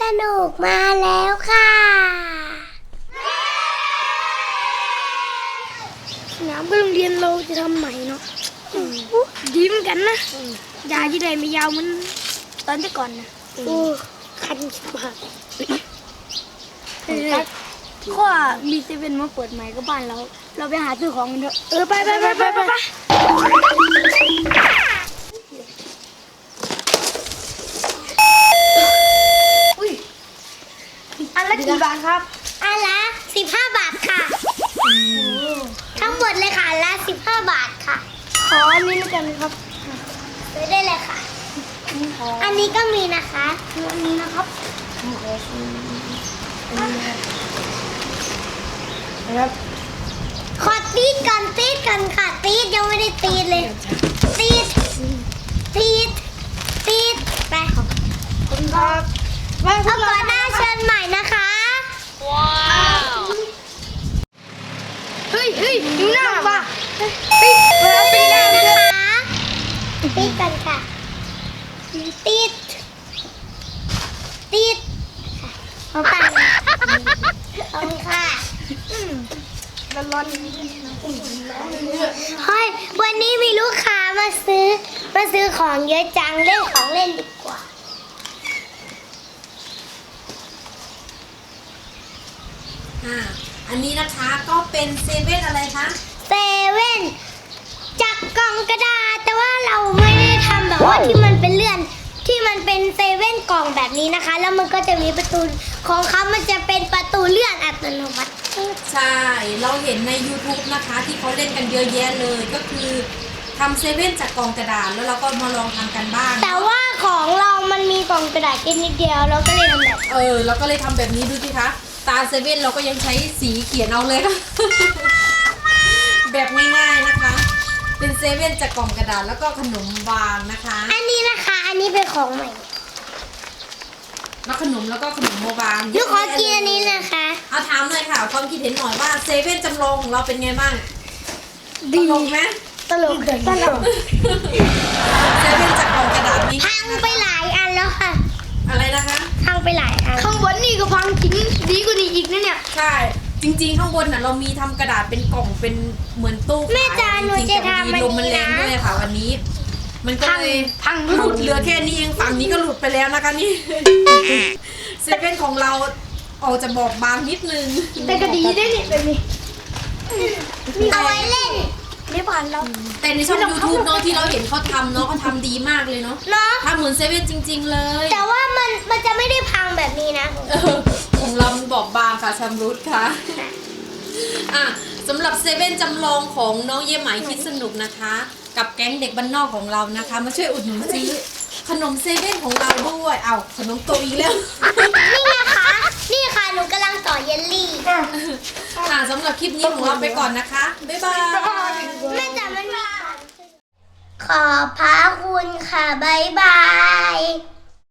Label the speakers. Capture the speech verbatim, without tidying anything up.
Speaker 1: นุกมาแล้วค่ะสนามก็โรงเรียนเราจะทำใหม่เนาะดีเหมือนกันนะยาที่ใดไม่ยาวมันตอนที่ก่อนนะโอ้คันมากเพราะว่ามีเซเว่นมาเปิดใหม่ก็บ้านเราเราไปหาซื้อของกันเถอะเออไปไปไปไปไปไปอันละกี่บาทครับอันละสิบห้าบาทค่ะทั้งหมดเลยค่ะอันละสิบห้าบาทค่ะขออันนี้แล้วกันครับซื้อได้เลยค่ะอันนี้ก็มีนะคะอันนี้นะครับครับขอตีดกันตีดกันค่ะตีดยังไม่ได้ตีดเลยตีดตีดตีดไปคุณครับเอาก่อนหน้าเชิญใหม่นะคะว้าวเฮ้ยเฮ้ยดูหน้าป่ะเฮ้ยมาตีหน้านะคะตีดกันค่ะตีดตีดเอาไปเอาค่ะร้อนๆเฮ้ยวันนี้มีลูกค้ามาซื้อมาซื้อของเยอะจังเล่นของเล่นดีกว่า
Speaker 2: อ่าอันนี้นะคะก็เป็นเซเว่นอะไรคะ
Speaker 1: เซเว่นจากกล่องกระดาษแต่ว่าเราไม่ได้ทำแบบว่าที่มันเป็นเลื่อนที่มันเป็นเซเว่นกล่องแบบนี้นะคะแล้วมันก็จะมีประตูของเขามันจะเป็นประตูเลื่อนอัตโนมัติ
Speaker 2: ใช่เราเห็นใน YouTube นะคะที่เขาเล่นกันเยอะแยะเลยก็คือทำเซเว่นจากกล่องกระดาษแล้วเราก็มาลองทำกันบ้าง
Speaker 1: แต่ว่าของเรามันมีกล่องกระดาษแค่นิดเดียวเราก็เลยทำแบบ
Speaker 2: เออเราก็เลยทำแบบนี้ดูสิคะตาเซเว่นเราก็ยังใช้สีเขียนเอาเลยค่ะ แบบง่ายๆนะคะเป็นเซเว่นจากกล่องกระดาษแล้วก็ขนมวางนะคะ
Speaker 1: อันนี้นะคะอันนี้เป็นของใหม่
Speaker 2: แล้วขนมแล้วก็ขนมโมบาง
Speaker 1: ลูกขอกินอันนี้นะคะ
Speaker 2: เอาถามหน่อยค่ะความคิดเห็นหน่อยว่าเซเว่นจำลองของเราเป็นไงบ้างตลกไหม
Speaker 1: ตลกตลก
Speaker 2: เซเว่นจากกล่องกระดาษนี้
Speaker 1: พังไปหลายอันแล้วค่ะ
Speaker 2: อะไรนะคะ
Speaker 1: พังไปหลายอันข้างบนนี่ก็พังทิ้งดีกว่านี้อีกนะเนี่ย
Speaker 2: ใช่จริงๆข้างบนน่ะเรามีทำกระดาษเป็นกล่องเป็นเหมือนตู้
Speaker 1: แม่จานหนูจะทำมัน
Speaker 2: ลมมันแรงด้วยค่ะวันนี้มันก็เลยพังหลุดเหลือแค่นี้เองฝั่งนี้ก็หลุดไปแล้วนะคะนี่เซเว่นของเราออกจะบอกบางนิดนึง
Speaker 1: แต่ก็ดีได้เนี่ยแบบนี้เอาไว้เล่นไม่ผ่านเรา
Speaker 2: แต่ในช่อง YouTube เนาะที่เราเห็นเขาทำเนาะเขาทำดีมากเลยเนาะทำเหมือนเซเว่นจริงๆเลย
Speaker 1: แต่ว่ามันมันจะไม่ได้พังแบบนี้นะ
Speaker 2: ของเรามันบอกบางค่ะชำรุดค่ะอ่ะสำหรับเซเว่นจำลองของน้องเย่ไหมคิดสนุกนะคะกับแก๊งเด็กบ้านนอกของเรานะคะมาช่วยอุดหนุนซื้อขนมเซเว่นของเราด้วยเอาขนมโตอีกแล้ว
Speaker 1: นี่ไงคะนี่ค่ะหนูกำลังต่อเยลลี่
Speaker 2: อ่ะสำหรับคลิปนี้ของเราไปก่อนนะคะบ๊ายบาย
Speaker 1: แม่จ๋ามันมีขอบพระคุณค่ะบ๊ายบาย